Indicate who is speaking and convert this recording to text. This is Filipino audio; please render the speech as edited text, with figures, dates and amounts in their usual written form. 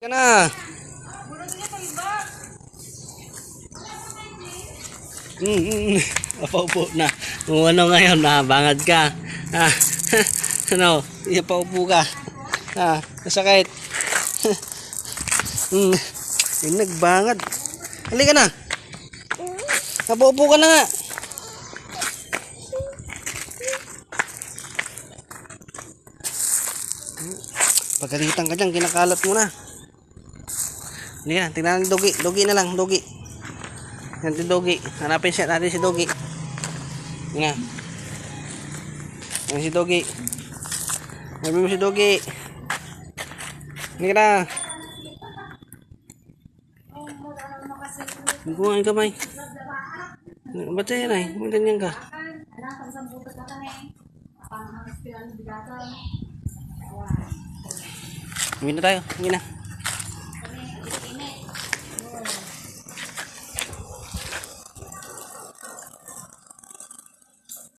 Speaker 1: Ka na. Paupo na. Kung ano ngayon, bangad ka. Ano, paupo ka. Nasakit. Nagbangad. Halika na. Paupo ka na nga. Pagalitan ka dyan, kinakalat mo na. Hindi na, tingnan natin Dogi. Dogi na lang, Dogi. Nanti Dogi. Hanapin siya natin si Dogi. Nga. Yan si Dogi. Hanapin mo si Dogi. Hindi ka na. Hindi ko nga yung kamay. Ba't yan ay? May ganyan ka. Hindi na tayo. Hindi na.